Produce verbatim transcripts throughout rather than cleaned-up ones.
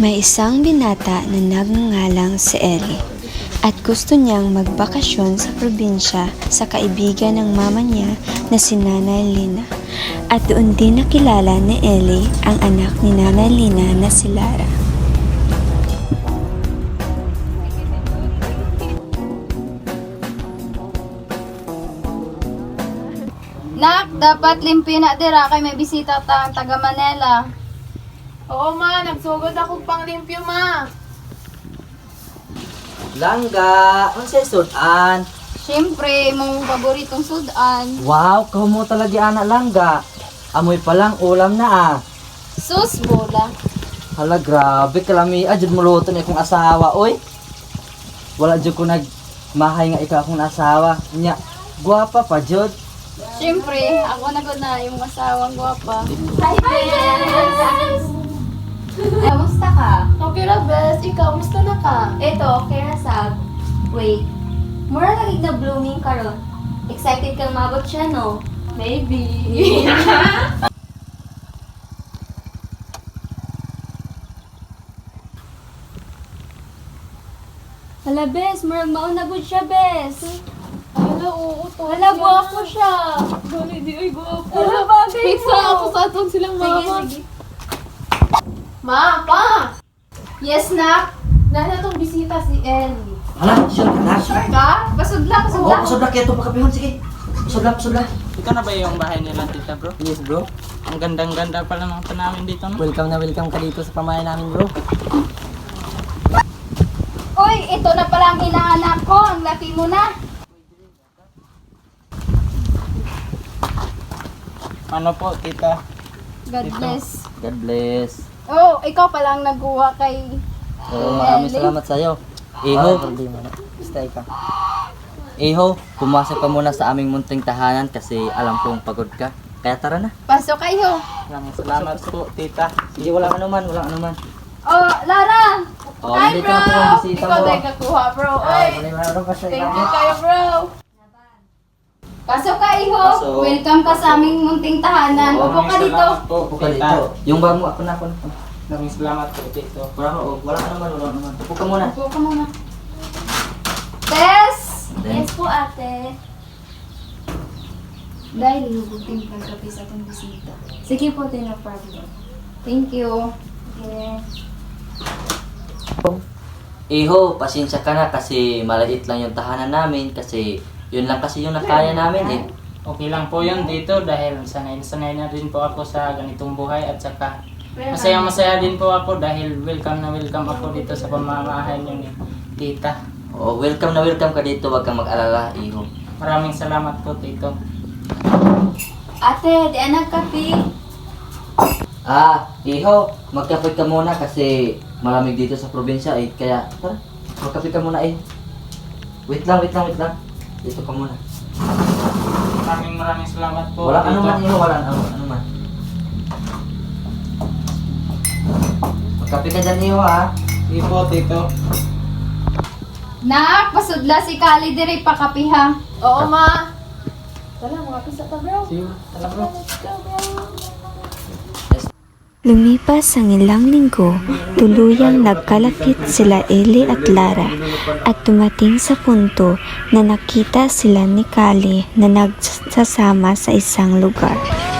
May isang binata na nagngangalang si Ellie at gusto niyang magbakasyon sa probinsya sa kaibigan ng mama niya na si Nanay Lina. At doon din nakilala ni Ellie ang anak ni Nanay Lina na si Lara. Nak, dapat limpyo na dira kay may bisita ta ang taga Manila. Oo ma, nagsugod ako pang limpyo ma. Langga, unsay sudan? Siyempre, mong paboritong sudan. Wow, kamo mo talaga anak langga. Amoy pa lang ulam na ah. Sus, bola. Hala, grabe kalami. Adjud mo luto ni akong asawa, oy. Wala jud ko nagmahay nga ikaw akong asawa. Nya, guwapa pa jud. Siyempre, ako na ko na yung asawang gwapa. Hi guys! Kamusta ka? Okay na best, ikaw, musta na ka? Eto, okay na sab. Wait, mura lagi na blooming karon. Excited kang mabot siya, no? Maybe. Hala, bes, murag mauna gud siya, bes. Hala, oo, to. Hala, guwapo siya. Dali, di ay guwapo. Hala, bagay Pizza mo. ako sa atong silang Sige, mama. sige. Ma, pa! Yes, nak. Nana tong bisita si Ellie. Hala, sure ka na, sure. Ka? Pasudla, Oo, pasudla. pasudla kaya ito pakapihon, sige. Pasudla, pasudla. Ito na ba yung bahay nila, tita bro? Yes, bro. Ang gandang-ganda pala ng tanawin dito, no? Welcome na welcome ka dito sa pamahay namin, bro. Uy, ito na pala ang hinahanap ko. Ang laki mo na. Ano po, tita? God Ito. bless. God bless. Oh, ikaw pala ang nagkuha kay... Oo, maraming Ellie. salamat sa iyo. Iho, stay ka. Iho, pumasok ka muna sa aming munting tahanan kasi alam kong pagod ka. Kaya tara na. Pasok kayo. Maraming salamat po, tita. Sige, walang anuman, walang anuman. Oh, Lara! Oh, Hi, nandito bro! na po ang bisita Ikaw mo. tayo kakuha, bro. Ay, Oy, wala meron pa sa thank you ilang. kayo, bro. Pasok ka, iho. Pasok. Welcome ka sa aming munting tahanan. Oo, Upo ka Maraming dito. salamat po, Upo ka tita. dito. Yung bag mo, ako na, ako na. Maraming salamat po, tito. Wala oh, walang anuman, walang anuman. Upo ka muna. Upo ka muna. Tess! Then, Yes po, ate. Dahil hinugutin kang kape sa itong bisita. Sige po, din no problem. Thank you. Okay. Iho, pasensya ka na kasi maliit lang yung tahanan namin kasi yun lang kasi yung nakaya namin eh. Okay lang po yun dito dahil sanay-sanay na rin po ako sa ganitong buhay at saka masaya-masaya din po ako dahil welcome na welcome ako dito sa pamamahay niyo ni tita. Oh, welcome na welcome ka dito, wag kang mag-alala, Iho. Maraming salamat po, tito. Ate, di anag kape. Ah, Iho, magkape ka muna kasi malamig dito sa probinsya eh. Kaya, tara, magkape ka muna eh. Wait lang, wait lang, wait lang. Dito ka muna. Maraming maraming salamat po, Walang tito. anuman, Iho, walang ano, anuman. Magkape ka dyan, Iho, ha? Sige po, tito. Nak, pasudla si Kali diri pa kapiha. Oo ma. Tala, mga pisa ka bro. Sige, tala bro. Let's go bro. Lumipas ang ilang linggo, tuluyang nagkalapit sila Ellie at Lara at tumating sa punto na nakita sila ni Kali na nagsasama sa isang lugar.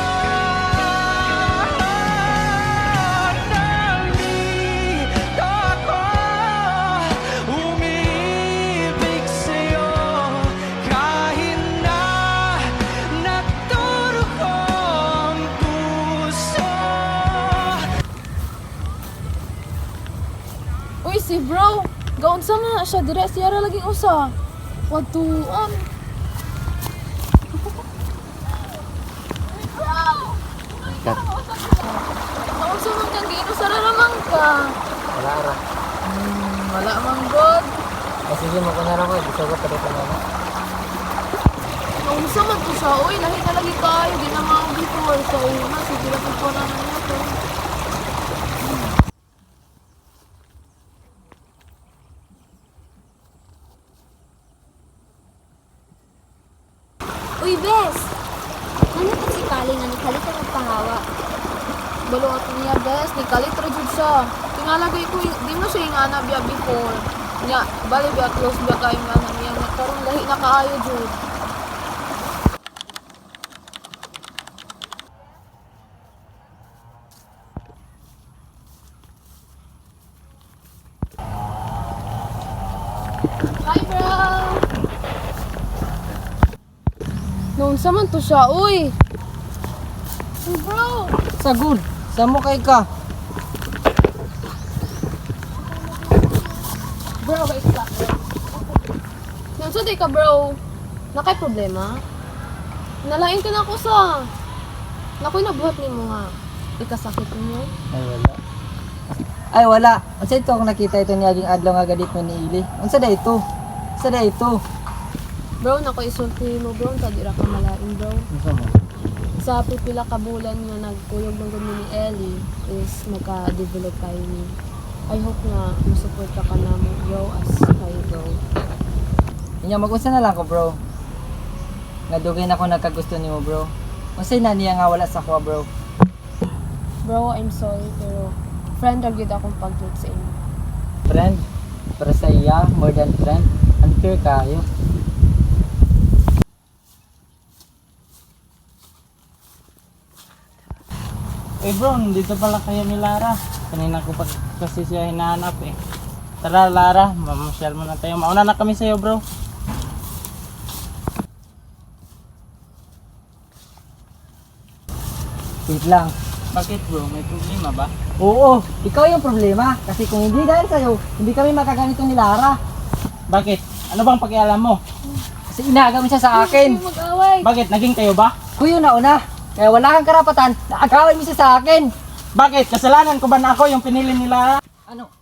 Uy, si bro. Gaon sa na siya, dire siya ra laging usa. Watuan. Kat, Nausa man kang giino sa raramang ka. wala ra. Hmm, wala man god. Kasi yun, makunara ko, gusto ko pa dito na. Nausa man to siya. Uy, lahi na lagi kayo. Di na mga before sa una. Sige lang po na naman ito. Uy, bes! Ano pa si Kali nga ni Kali ka magpahawa? Balot niya, bes. Ni Kalit Rajud siya. Tingalagay ko, di mo siya ingana biya before. Nya, bali biya close biya kayo nga na niya. Karon lahi na kaayo, Jud. Hi, bro! Noon sa man to siya, uy! Uy, bro! Sagud, sa mo kay ka? Bro, wait lang. Nanso di ka, bro? Nakay problema? Nalain ka na ako sa... Nakoy nabuhat ni mo nga. Ikasakit mo. Ay wala. Ay wala. Unsa ito ako nakita ito ni aging adlaw nga gadit mo ni Ili. Unsa da ito? Unsa da ito? Bro, nakoy isulti mo, bro. Tadi ra ka malain, bro. Unsa mo? Sa pipila ka bulan nga nagkuyog ng gumi ni Ellie is magka-develop kayo ni. I hope nga musupport ka ka na mo, bro, as kayo, bro. Inya mag-unsa na lang ko, bro. Nga dugay na ko nagkagusto nimo, bro. Unsay na niya nga wala sa ko, bro. Bro, I'm sorry, pero friend ra gyud akong pag-treat sa inyo. Friend, para sa iya, more than friend, unfair kayo. Eh bro, dito pala kayo ni Lara. Kanina ko pa kasi siya hinahanap eh. Tara Lara, mamasyal muna tayo. Mauna na kami sa'yo bro. Wait lang. Bakit bro? May problema ba? Oo, ikaw yung problema. Kasi kung hindi dahil sa'yo, hindi kami makaganito ni Lara. Bakit? Ano bang pakialam mo? Kasi inaagaw siya sa akin. Mag-away. Bakit? Naging kayo ba? Kuyo na una. Kaya wala kang karapatan na agawin mo siya sa akin. Bakit? Kasalanan ko ba na ako yung pinili nila? Ano?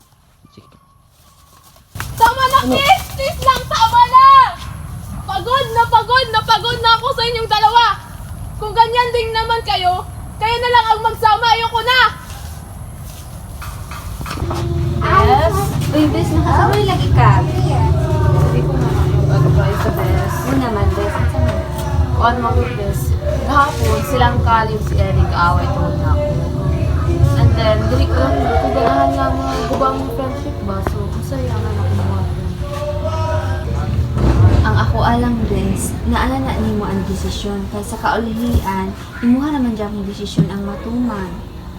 Tama na, please! Please lang, tama na! Pagod na pagod na pagod na ako sa inyong dalawa! Kung ganyan din naman kayo, kayo na lang ang magsama, ayoko na! Yes? Uy, bes, nakasama yung lagi ka. Hindi ko na mag-advise sa best. Ano naman, bes? Ano naman? On mga best. Kahapon, silang kalim si Eric, away tungkol na ako. And then, dili ko lang, ko ganahan nga mga gubang friendship ba? So, masaya nga na ako mga friend. Ang ako alang, bes, naala na nimo ang desisyon. Kaya sa kaulihian, imuha naman dyan ang desisyon ang matuman.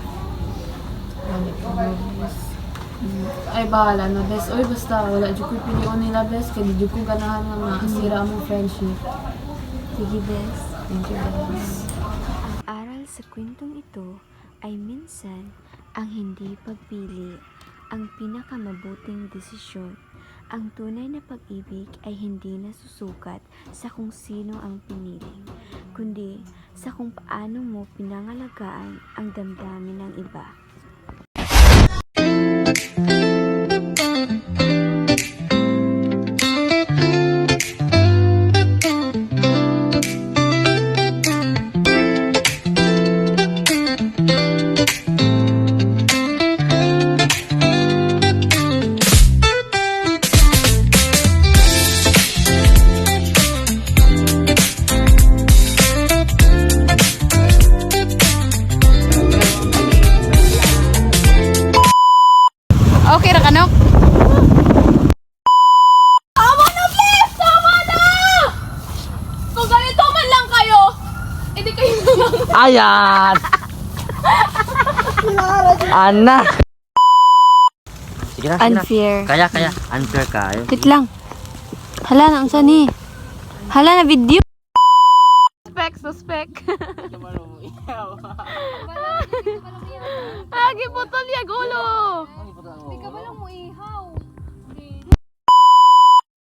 Ay, bahala na, best. Oy, basta, wala dyan ko piliyon nila, best. Kaya di dyan ko ganahan nga masira ang friendship. Sige, bes. Thank you, best. Ang aral sa kwentong ito ay minsan ang hindi pagpili ang pinakamabuting desisyon. Ang tunay na pag-ibig ay hindi nasusukat sa kung sino ang pinili, kundi sa kung paano mo pinangalagaan ang damdamin ng iba. Okay ra kanok? Tama na, please! Tama na! Kung ganito man lang kayo, hindi kayo lang. Ayan! Ana! Sige na, sige na. Unfair. Kaya, kaya. Unfair kayo. Wait lang. Hala na, unsa ni? Hala na video. Suspect, suspect. Lagi putol yan.